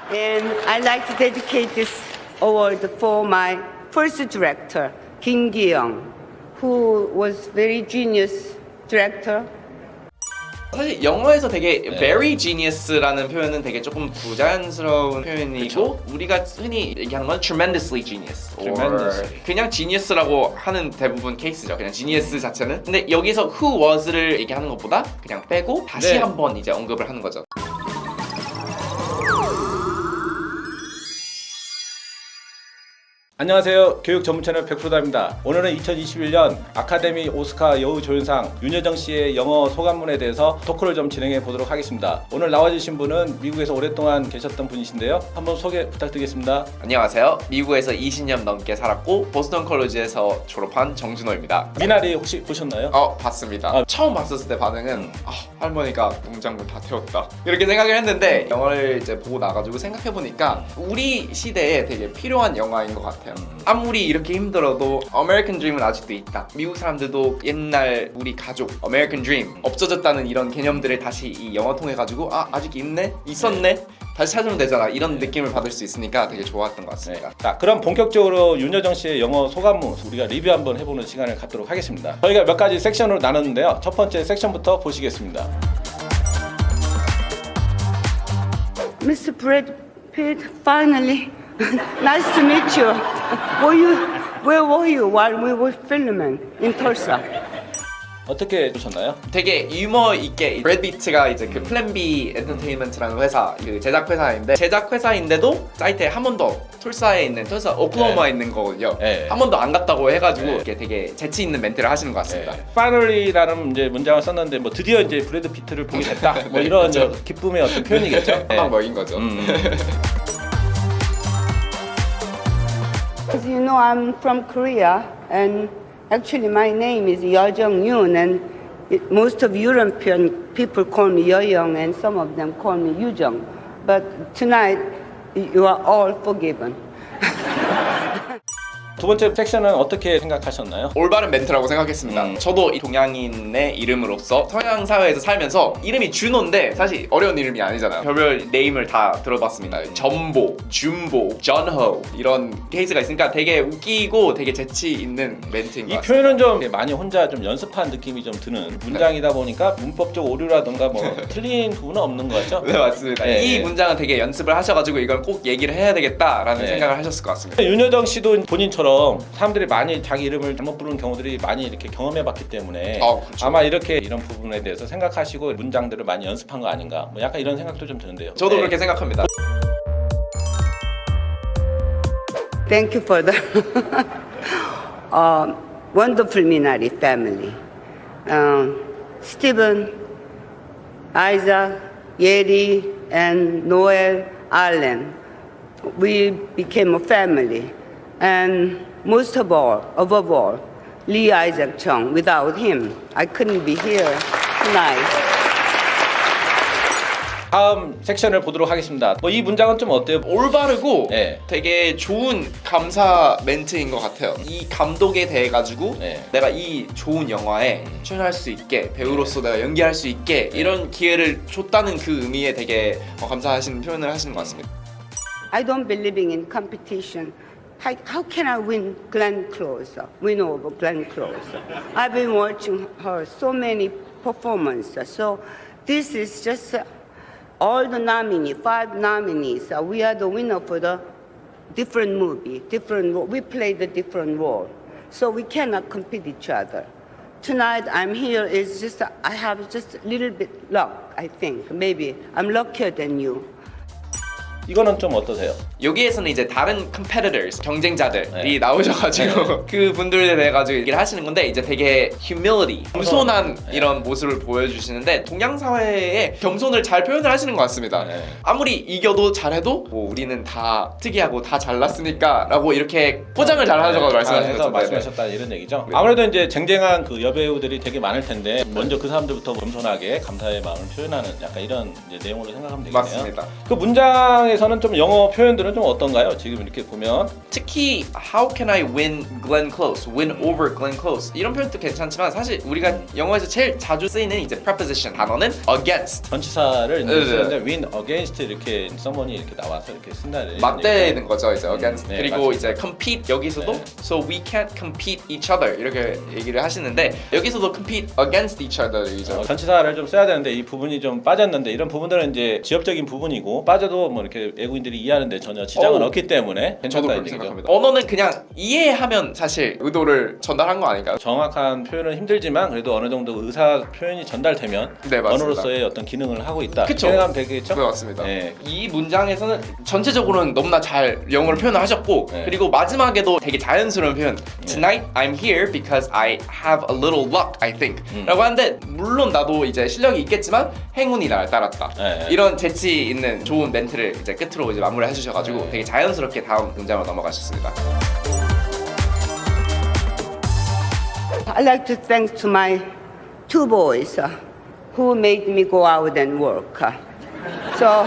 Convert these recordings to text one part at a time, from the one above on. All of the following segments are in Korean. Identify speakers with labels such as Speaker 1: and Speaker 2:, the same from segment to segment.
Speaker 1: And I'd like to dedicate this award for my first director, Kim Gi-young, who was very genius director.
Speaker 2: 사실 영어에서 되게 very genius라는 표현은 되게 조금 부자연스러운 표현이고 우리가 흔히 얘기하는 건 tremendously genius
Speaker 3: Tremendously.
Speaker 2: 그냥 genius라고 하는 대부분 케이스죠. 그냥 genius 자체는. 근데 여기서 who was를 얘기하는 것보다 그냥 빼고 다시
Speaker 3: 네.
Speaker 2: 한번 이제 언급을 하는 거죠.
Speaker 3: 안녕하세요. 교육 전문 채널 100%다입니다. 오늘은 2021년 아카데미 오스카 여우조연상 윤여정 씨의 영어 소감문에 대해서 토크를 좀 진행해 보도록 하겠습니다. 오늘 나와주신 분은 미국에서 오랫동안 계셨던 분이신데요. 한번 소개 부탁드리겠습니다.
Speaker 2: 안녕하세요. 미국에서 20년 넘게 살았고 보스턴 컬리지에서 졸업한 정준호입니다.
Speaker 3: 미나리 혹시 보셨나요?
Speaker 2: 봤습니다. 처음 봤었을 때 반응은 할머니가 농장물 다 태웠다 이렇게 생각을 했는데 영화를 이제 보고 나가지고 생각해보니까 우리 시대에 되게 필요한 영화인 것 같아요. 아무리 이렇게 힘들어도 American Dream은 아직도 있다. 미국 사람들도 옛날 우리 가족 American Dream 없어졌다는 이런 개념들을 다시 이 영화 통해 가지고 아직 있네? 있었네? 다시 찾으면 되잖아. 이런 느낌을 받을 수 있으니까 되게 좋았던 것 같습니다.
Speaker 3: 자, 그럼 본격적으로 윤여정 씨의 영어 소감문 우리가 리뷰 한번 해보는 시간을 갖도록 하겠습니다. 저희가 몇 가지 섹션으로 나눴는데요. 첫 번째 섹션부터 보시겠습니다.
Speaker 1: Mr. Brad Pitt, finally, nice to meet you. Where were you while we were filming in Tulsa?
Speaker 3: 어떻게 보셨나요?
Speaker 2: 되게 유머 있게 브래드 피트가 이제 그 플랜 B 엔터테인먼트라는 회사 그 제작 회사인데도 사이트에 한 번도 툴사에 있는 툴사 오클라호마에 있는 거거든요.
Speaker 3: 네.
Speaker 2: 한 번도 안 갔다고 해가지고 이렇게 되게 재치 있는 멘트를 하시는 것 같습니다.
Speaker 3: Finally라는 이제 문장을 썼는데 뭐 드디어 이제 브래드 피트를 보게 됐다. 뭐 이런 저 기쁨의 어떤 표현이겠죠.
Speaker 2: 한방 먹인 거죠.
Speaker 1: As you know, I'm from Korea, and actually my name is Yeo Jung-yoon, and most of European people call me Yeoyoung, and some of them call me Yoo-jung. But tonight, you are all forgiven.
Speaker 3: 두 번째 섹션은 어떻게 생각하셨나요?
Speaker 2: 올바른 멘트라고 생각했습니다. 저도 이 동양인의 이름으로서 서양 사회에서 살면서 이름이 준호인데 사실 어려운 이름이 아니잖아요. 별별 네임을 다 들어봤습니다. 전보, 준보, 전호 이런 케이스가 있으니까 되게 웃기고 되게 재치 있는 멘트인 것
Speaker 3: 이
Speaker 2: 같습니다.
Speaker 3: 표현은 좀 많이 혼자 좀 연습한 느낌이 좀 드는 문장이다 보니까 문법적 오류라든가 뭐 틀린 부분은 없는 것 같죠?
Speaker 2: 네, 맞습니다.
Speaker 3: 네.
Speaker 2: 이 문장은 되게 연습을 하셔가지고 이걸 꼭 얘기를 해야 되겠다라는
Speaker 3: 네.
Speaker 2: 생각을 하셨을 것 같습니다.
Speaker 3: 윤여정 씨도 본인처럼 사람들이 많이 자기 이름을 잘못 부르는 경우들이 많이 이렇게 경험해봤기 때문에
Speaker 2: 그렇죠.
Speaker 3: 아마 이렇게 이런 부분에 대해서 생각하시고 문장들을 많이 연습한 거 아닌가 뭐 약간 이런 생각도 좀 드는데요.
Speaker 2: 저도
Speaker 3: 네.
Speaker 2: 그렇게 생각합니다.
Speaker 1: Thank you for the wonderful Minari family. Stephen, Isaac, Yeri, and Noel, Allen. We became a family. And most of all, above all, Lee Isaac Chung. Without him, I couldn't be here tonight.
Speaker 3: 다음 섹션을 보도록 하겠습니다. 뭐 이 문장은 좀 어때요?
Speaker 2: 올바르고
Speaker 3: 네.
Speaker 2: 되게 좋은 감사 멘트인 것 같아요. 이 감독에 대해 가지고
Speaker 3: 네.
Speaker 2: 내가 이 좋은 영화에 출연할 수 있게 배우로서 내가 연기할 수 있게 이런 기회를 줬다는 그 의미에 되게 감사하시는 표현을 하시는 것 같습니다.
Speaker 1: I don't believe in competition. How can I win Glenn Close? Win over Glenn Close? I've been watching her so many performances. So this is just all the nominees, 5 nominees. We are the winner for the different movie, different role. We play the different role. So we cannot compete each other. Tonight I'm here is just, I have just a little bit luck, I think. Maybe I'm luckier than you.
Speaker 3: 이거는 좀 어떠세요?
Speaker 2: 여기에서는 이제 다른 competitors, 경쟁자들이
Speaker 3: 네.
Speaker 2: 나오셔가지고 그 분들에 대해 가지고 얘기를 하시는 건데 이제 되게 humility, 겸손한
Speaker 3: 네.
Speaker 2: 이런 모습을 보여주시는데 동양 사회의 겸손을 잘 표현을 하시는 것 같습니다.
Speaker 3: 네.
Speaker 2: 아무리 이겨도 잘해도 뭐 우리는 다 특이하고 다 잘났으니까라고 이렇게 포장을 잘 하셔서 말씀하시는
Speaker 3: 해서
Speaker 2: 거죠.
Speaker 3: 말씀하셨다 이런 얘기죠.
Speaker 2: 네.
Speaker 3: 아무래도 이제 쟁쟁한 그 여배우들이 되게 많을 텐데 먼저 그 사람들부터 겸손하게 감사의 마음을 표현하는 약간 이런 이제 내용으로 생각하면 되겠네요.
Speaker 2: 맞습니다.
Speaker 3: 그 문장에 문장에서는 좀 영어 표현들은 좀 어떤가요? 지금 이렇게 보면
Speaker 2: 특히 How can I win Glenn Close, win over Glenn Close 이런 표현도 괜찮지만 사실 우리가 영어에서 제일 자주 쓰이는 이제 preposition 단어는 against
Speaker 3: 전치사를 이제
Speaker 2: 네,
Speaker 3: 쓰는데 win against 이렇게 someone이 이렇게 나와서 이렇게 쓴다는
Speaker 2: 맞대는 거죠 이제 against
Speaker 3: 네,
Speaker 2: 그리고
Speaker 3: 맞죠.
Speaker 2: 이제 compete 여기서도
Speaker 3: 네.
Speaker 2: so we can't compete each other 이렇게 얘기를 하시는데 여기서도 compete against each other이죠.
Speaker 3: 전치사를 좀 써야 되는데 이 부분이 좀 빠졌는데 이런 부분들은 이제 지엽적인 부분이고 빠져도 뭐 이렇게 외국인들이 이해하는데 전혀 지장은
Speaker 2: 어우,
Speaker 3: 없기 때문에
Speaker 2: 저도
Speaker 3: 괜찮다
Speaker 2: 그렇게
Speaker 3: 이제 그죠?
Speaker 2: 생각합니다. 언어는 그냥 이해하면 사실 의도를 전달한 거 아닐까요?
Speaker 3: 정확한 표현은 힘들지만 그래도 어느 정도 의사 표현이 전달되면
Speaker 2: 네, 맞습니다.
Speaker 3: 언어로서의 어떤 기능을 하고 있다.
Speaker 2: 그쵸.
Speaker 3: 생각하면 되겠죠?
Speaker 2: 네 맞습니다.
Speaker 3: 네.
Speaker 2: 이 문장에서는 전체적으로는 너무나 잘 영어를 표현을 하셨고
Speaker 3: 네.
Speaker 2: 그리고 마지막에도 되게 자연스러운 표현 Tonight I'm here because I have a little luck I think 라고 하는데 물론 나도 이제 실력이 있겠지만 행운이 날 따랐다
Speaker 3: 네.
Speaker 2: 이런 재치 있는 좋은 멘트를 이제 끝으로 이제 마무리 해주셔가지고
Speaker 3: 네.
Speaker 2: 되게 자연스럽게 다음 문장으로 넘어가셨습니다.
Speaker 1: I'd like to thank to my two boys who made me go out and work. So,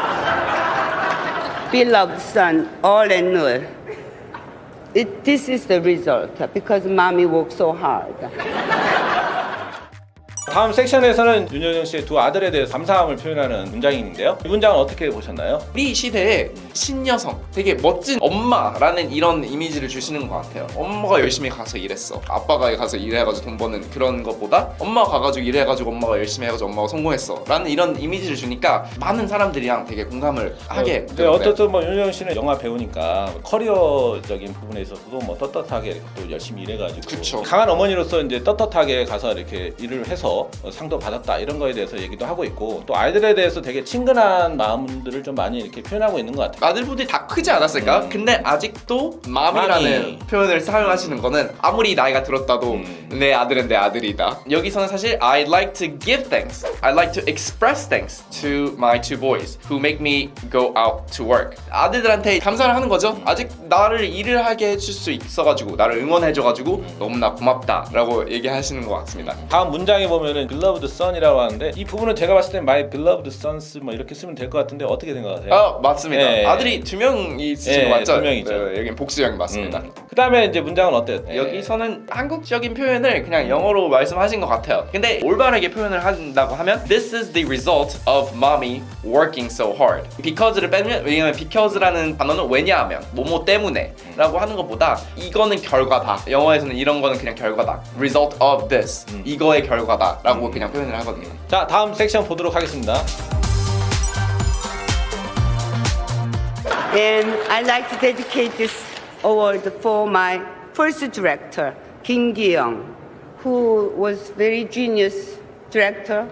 Speaker 1: beloved son, all and all, this is the result because mommy worked so hard.
Speaker 3: 다음 섹션에서는 윤여정 씨의 두 아들에 대해서 감사함을 표현하는 문장이 있는데요. 이 문장은 어떻게 보셨나요?
Speaker 2: 우리 시대에 신여성, 되게 멋진 엄마라는 이런 이미지를 주시는 것 같아요. 엄마가 열심히 가서 일했어. 아빠가 가서 일해가지고 돈 버는 그런 것보다 엄마가 가가지고 일해가지고 엄마가 열심히 해가지고 엄마가 성공했어. 라는 이런 이미지를 주니까 많은 사람들이랑 되게 공감을 하게
Speaker 3: 네,
Speaker 2: 돼요.
Speaker 3: 어쨌든 뭐 윤여정 씨는 영화 배우니까 커리어적인 부분에 있어서도 뭐 떳떳하게 또 열심히 일해가지고
Speaker 2: 그쵸.
Speaker 3: 강한 어머니로서 이제 떳떳하게 가서 이렇게 일을 해서 상도 받았다 이런 거에 대해서 얘기도 하고 있고 또 아이들에 대해서 되게 친근한 마음들을 좀 많이 이렇게 표현하고 있는 것 같아요.
Speaker 2: 아들분들이 다 크지 않았을까? 근데 아직도 맘이라는
Speaker 3: 마미.
Speaker 2: 표현을 사용하시는 거는 아무리 나이가 들었다도 내 아들은 내 아들이다. 여기서는 사실 I'd like to give thanks. I'd like to express thanks to my two boys who make me go out to work. 아들들한테 감사를 하는 거죠. 아직 나를 일을 하게 해줄 수 있어가지고 나를 응원해줘가지고 너무나 고맙다라고 얘기하시는 것 같습니다.
Speaker 3: 다음 문장에 보면은 beloved son이라고 하는데 이 부분은 제가 봤을 때 my beloved sons 뭐 이렇게 쓰면 될 것 같은데 어떻게 생각하세요?
Speaker 2: 아 맞습니다.
Speaker 3: 네.
Speaker 2: 아들이 두 명이 있으신
Speaker 3: 네,
Speaker 2: 거 맞죠?
Speaker 3: 두 명이죠.
Speaker 2: 네, 여긴 복수형이 맞습니다.
Speaker 3: 그 다음에 이제 문장은 어때요?
Speaker 2: 여기서는 한국적인 표현을 그냥 영어로 말씀하신 것 같아요. 근데 올바르게 표현을 한다고 하면 This is the result of mommy working so hard. Because를 빼면 왜냐면 because라는 단어는 왜냐하면 뭐뭐 때문에 라고 하는 것보다 이거는 결과다. 영어에서는 이런 거는 그냥 결과다. Result of this. 이거의 결과다 라고 그냥 표현을 하거든요.
Speaker 3: 자 다음 섹션 보도록 하겠습니다.
Speaker 1: And I'd like to dedicate this award for my first director, Kim Gi-young, who was very genius director.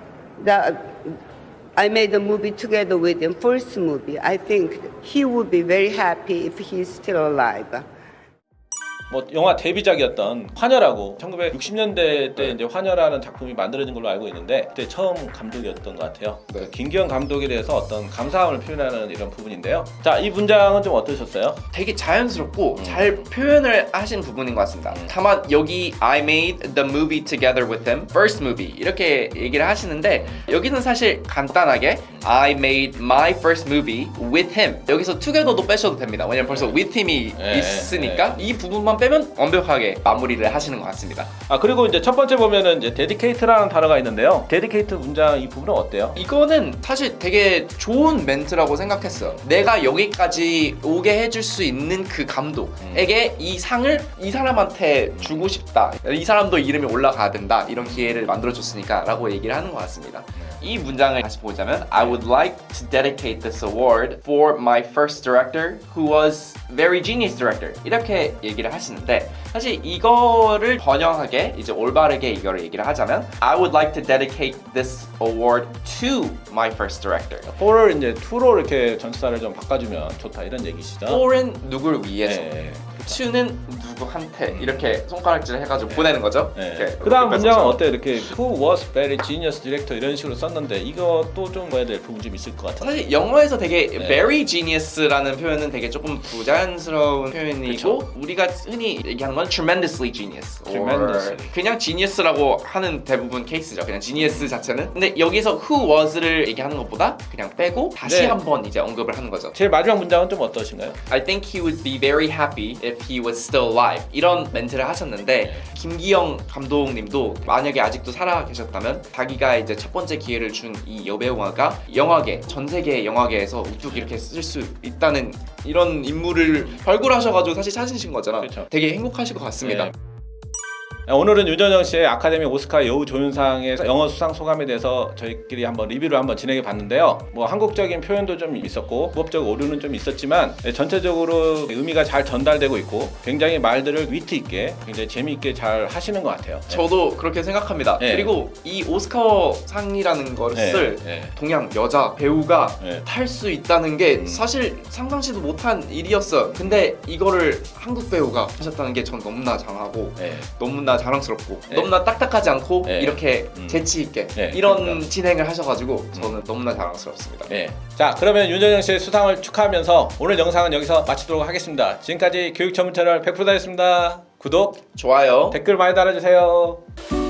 Speaker 1: I made a movie together with him, first movie. I think he would be very happy if he's still alive.
Speaker 3: 뭐 영화 데뷔작이었던 환혈하고 1960년대 때 이제 환혈하는 작품이 만들어진 걸로 알고 있는데 그때 처음 감독이었던 것 같아요.
Speaker 2: 네.
Speaker 3: 김기현 감독에 대해서 어떤 감사함을 표현하는 이런 부분인데요. 자, 이 문장은 좀 어떠셨어요?
Speaker 2: 되게 자연스럽고 잘 표현을 하신 부분인 것 같습니다. 다만 여기 I made the movie together with him, first movie 이렇게 얘기를 하시는데 여기는 사실 간단하게 I made my first movie with him 여기서 together도 빼셔도 됩니다. 왜냐면 벌써 with him이
Speaker 3: 네,
Speaker 2: 있으니까 이 부분만 빼면 완벽하게 마무리를 하시는 것 같습니다.
Speaker 3: 아 그리고 이제 첫 번째 보면은 이제 dedicate라는 단어가 있는데요. dedicate 문장 이 부분은 어때요?
Speaker 2: 이거는 사실 되게 좋은 멘트라고 생각했어요. 내가 여기까지 오게 해줄 수 있는 그 감독에게 이 상을 이 사람한테 주고 싶다. 이 사람도 이름이 올라가야 된다. 이런 기회를 만들어줬으니까 라고 얘기를 하는 것 같습니다. 이 문장을 다시 보자면 I would like to dedicate this award for my first director who was very genius director 이렇게 얘기를 하시는데 사실 이거를 번영하게 이제 올바르게 이거를 얘기를 하자면 I would like to dedicate this award to my first director.
Speaker 3: for를 이제 to로 이렇게 전치사를 좀 바꿔주면 좋다 이런 얘기시죠.
Speaker 2: for은 누구를 위해서
Speaker 3: 네.
Speaker 2: to는 누구한테 이렇게 손가락질 해가지고 보내는 거죠.
Speaker 3: 네.
Speaker 2: 이렇게
Speaker 3: 그다음
Speaker 2: 이렇게
Speaker 3: 문장은
Speaker 2: 뺏어서.
Speaker 3: 어때요? 이렇게 who was very genius director 이런 식으로 썼는데 이것도 좀 봐야 될 부분 좀 있을 것 같아요.
Speaker 2: 사실 영어에서 되게
Speaker 3: 네.
Speaker 2: very genius라는 표현은 되게 조금 부자연스러운 표현이고
Speaker 3: 그쵸.
Speaker 2: 우리가 흔히 얘기하는 건 건 tremendously genius. or
Speaker 3: Tremendously.
Speaker 2: 그냥 genius라고 하는 대부분 케이스죠. 그냥 genius 자체는. 근데 여기서 who was를 얘기하는 것보다 그냥 빼고 다시
Speaker 3: 네.
Speaker 2: 한번 이제 언급을 하는 거죠.
Speaker 3: 제일 마지막 문장은 좀 어떠신가요?
Speaker 2: I think he would be very happy if he was still alive. 이런 멘트를 하셨는데 김기영 감독님도 만약에 아직도 살아 계셨다면 자기가 이제 첫 번째 기회를 준 이 여배우가 영화계, 전 세계 영화계에서 우뚝 이렇게 쓸 수 있다는 이런 인물을 발굴하셔가지고 사실 찾으신 거잖아.
Speaker 3: 그쵸.
Speaker 2: 되게 행복하실 것 같습니다.
Speaker 3: 네. 오늘은 윤여정 씨의 아카데미 오스카 여우 조연상의 영어 수상 소감에 대해서 저희끼리 한번 리뷰를 한번 진행해 봤는데요. 뭐 한국적인 표현도 좀 있었고 문법적 오류는 좀 있었지만 전체적으로 의미가 잘 전달되고 있고 굉장히 말들을 위트 있게 굉장히 재미있게 잘 하시는 것 같아요.
Speaker 2: 저도 그렇게 생각합니다.
Speaker 3: 네.
Speaker 2: 그리고 이 오스카상이라는 것을
Speaker 3: 네.
Speaker 2: 동양 여자 배우가
Speaker 3: 네.
Speaker 2: 탈 수 있다는 게 사실 상상치도 못한 일이었어요. 근데 이거를 한국 배우가 하셨다는 게 전 너무나 장하고
Speaker 3: 네.
Speaker 2: 너무나 자랑스럽고
Speaker 3: 네.
Speaker 2: 너무나 딱딱하지 않고
Speaker 3: 네.
Speaker 2: 이렇게 재치 있게
Speaker 3: 네,
Speaker 2: 이런
Speaker 3: 그러니까.
Speaker 2: 진행을 하셔가지고 저는 너무나 자랑스럽습니다.
Speaker 3: 네. 자, 그러면 윤여정 씨의 수상을 축하하면서 오늘 영상은 여기서 마치도록 하겠습니다. 지금까지 교육 전문 채널 100%다였습니다. 구독,
Speaker 2: 좋아요.
Speaker 3: 댓글 많이 달아주세요.